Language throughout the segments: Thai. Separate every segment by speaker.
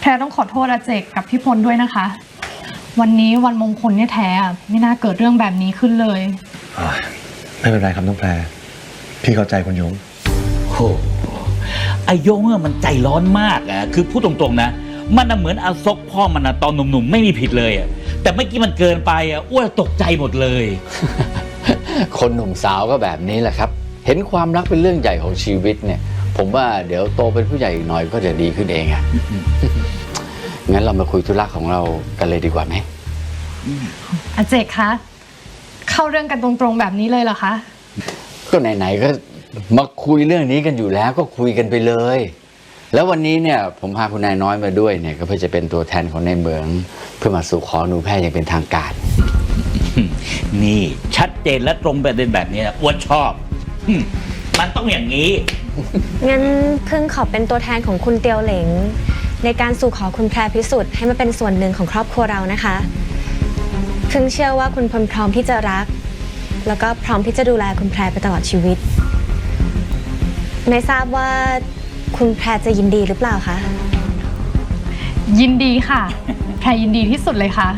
Speaker 1: แพรต้องขอโทษอาเจกกับพี่พลด้วยนะคะวันนี้วันมงคลเนี่ยแท้ไม่น่าเกิดเรื่องแบบนี้ขึ้นเลย
Speaker 2: ไม่เป็นไรครับน้องแพรพี่เข้าใจคุณยง
Speaker 3: โอ้ไอยงมันใจร้อนมากคือพูดตรงๆนะมันเหมือนอาซกพ่อมันตอนหนุ่มๆไม่มีผิดเลยแต่เมื่อกี้มันเกินไปอ้วนตกใจหมดเลย
Speaker 4: คนหนุ่มสาวก็แบบนี้แหละครับเห็นความรักเป็นเรื่องใหญ่ของชีวิตเนี่ยผมว่าเดี๋ยวโตเป็นผู้ใหญ่อีกหน่อยก็จะดีขึ้นเองงั้นเรามาคุยธุระของเรากันเลยดีกว่าไหม
Speaker 1: อาเจกคะเข้าเรื่องกันตรงๆแบบนี้เลยเหรอคะ
Speaker 4: ก็ไหนๆก็มาคุยเรื่องนี้กันอยู่แล้วก็คุยกันไปเลยแล้ววันนี้เนี่ยผมพาคุณนายน้อยมาด้วยเนี่ยก็เพื่อจะเป็นตัวแทนของในเมืองเพื่อมาสู่ขอหนูแพทย์อย่างเป็นทางการ
Speaker 3: นี่ชัดเจนและตรงประเด็นแบบนี้อ้วนชอบมันต้องอย่างนี้
Speaker 5: งั้นพึ่งขอเป็นตัวแทนของคุณเตียวเหลงในการสู่ขอคุณแพรพิสุทธิ์ให้มาเป็นส่วนหนึ่งของครอบครัวเรานะคะพึ่งเชื่อว่าคุณพลพร้อมที่จะรักแล้วก็พร้อมที่จะดูแลคุณแพรไปตลอดชีวิตไม่ทราบว่าคุณแพรจะยินดีหรือเปล่าคะ
Speaker 1: ยินดีค่ะแพรยินดีที่สุดเลยค่ะ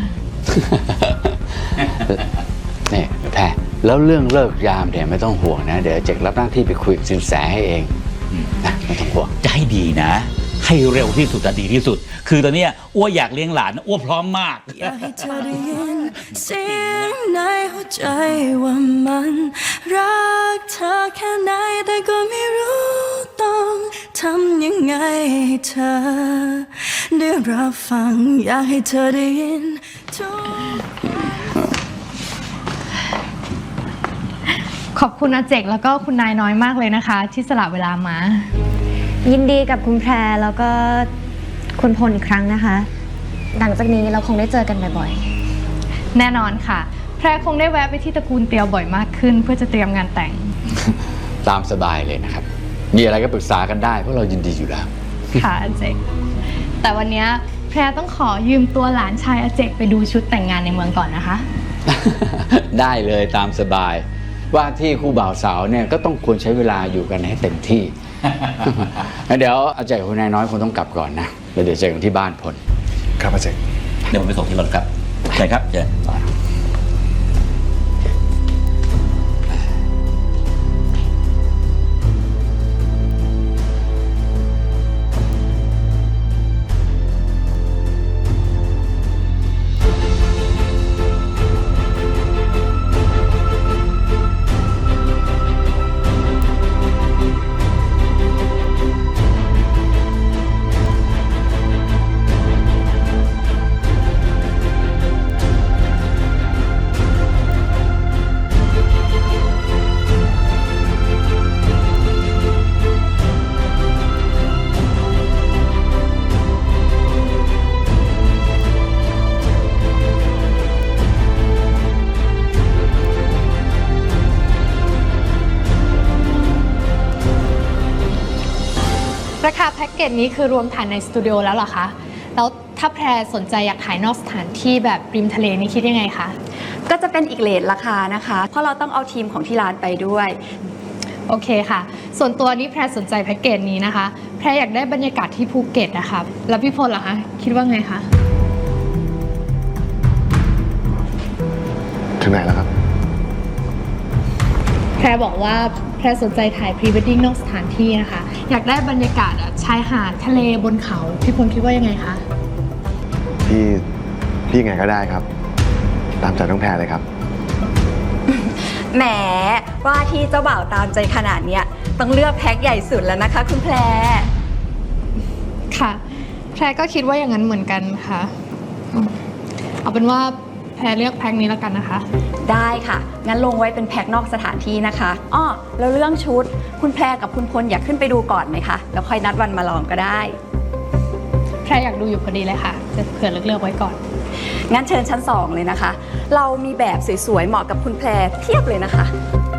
Speaker 4: นี่แพรแล้วเรื่องเลิกยามเนี่ยไม่ต้องห่วงนะเดี๋ยวเจกรับหน้าที่ไปคุยกับสินแสให้เองนะไม่ต้องห่วง
Speaker 3: จะให้ดีนะให้เร็วที่สุดดีที่สุดคือตอนนี้อ้วอยากเลี้ยงหลานอ้วพร้อมมาก
Speaker 6: อยากให้เธอได้ยินเสียงในหัวใจว่ามันรักเธอแค่ไหนแต่ก็ไม่รู้ต้องทำยังไงให้เธอได้รับฟังอยากให้เธอได้ยินทุก
Speaker 1: ขอบคุณอาเจกแล้วก็คุณนายน้อยมากเลยนะคะที่สละเวลามา
Speaker 5: ยินดีกับคุณแพรแล้วก็คุณพลอีกครั้งนะคะหลังจากนี้เราคงได้เจอกันบ่อย
Speaker 1: ๆแน่นอนค่ะแพรคงได้แวะไปที่ตระกูลเตียวบ่อยมากขึ้นเพื่อจะเตรียมงานแต่ง
Speaker 4: ตามสบายเลยนะครับมีอะไรก็ปรึกษากันได้เพราะเรายินดีอยู่แล้ว
Speaker 1: ค่ะอาเจกแต่วันนี้แพรต้องขอยืมตัวหลานชายอาเจกไปดูชุดแต่งงานในเมืองก่อนนะคะ
Speaker 4: ได้เลยตามสบายว่าที่คู่บ่าวสาวเนี่ยก็ต้องควรใช้เวลาอยู่กันให้เต็มที่เดี๋ยวอาเจกกับคุณนายน้อยคงต้องกลับก่อนนะเดี๋ยวเจอกันที่บ้านพล
Speaker 2: ครับอาเจก
Speaker 3: เดี๋ยวผมไปส่งที่รถครับใช่ครับเจ
Speaker 1: ราคาแพ็กเกจนี้คือรวมถ่ายในสตูดิโอแล้วเหรอคะแล้วถ้าแพรสนใจอยากถ่ายนอกสถานที่แบบริมทะเลนี่คิดยังไงคะ
Speaker 7: ก็จะเป็นอีกเรทราคานะคะเพราะเราต้องเอาทีมของที่ร้านไปด้วย
Speaker 1: โอเคค่ะส่วนตัวนี้แพรสนใจแพ็กเกจนี้นะคะแพรอยากได้บรรยากาศที่ภูเก็ตนะคะแล้วพี่พลล่ะคะคิดว่าไงคะ
Speaker 2: ถึงไหนแล้วครับ
Speaker 1: แพรบอกว่าแพรสนใจถ่ายพรีเวดดิ้งนอกสถานที่นะคะอยากได้บรรยากาศชายหาดทะเลบนเขาพี่พลคิดว่ายังไงคะ
Speaker 2: พี่ยังไงก็ได้ครับตามใจน้องแพรเลยครับ
Speaker 7: แหมว่าที่เจ้าบ่าวตามใจขนาดเนี้ยต้องเลือกแพ็คใหญ่สุดแล้วนะคะคุณแพร
Speaker 1: ค่ะแพรก็คิดว่าอย่างนั้นเหมือนกันค่ะเอาเป็นว่าแพรเลือกแพ็คนี้แล้วกันนะคะ
Speaker 7: ได้ค่ะงั้นลงไว้เป็นแพ็คนอกสถานที่นะคะอ้อแล้วเรื่องชุดคุณแพรกับคุณพลอยากขึ้นไปดูก่อนไหมคะแล้วค่อยนัดวันมาลองก็ได้
Speaker 1: แพรอยากดูอยู่พอดีเลยค่ะจะเผื่อเลือกไว้ก่อน
Speaker 7: งั้นเชิญชั้น2เลยนะคะเรามีแบบสวยๆเหมาะกับคุณแพรเพียบเลยนะคะ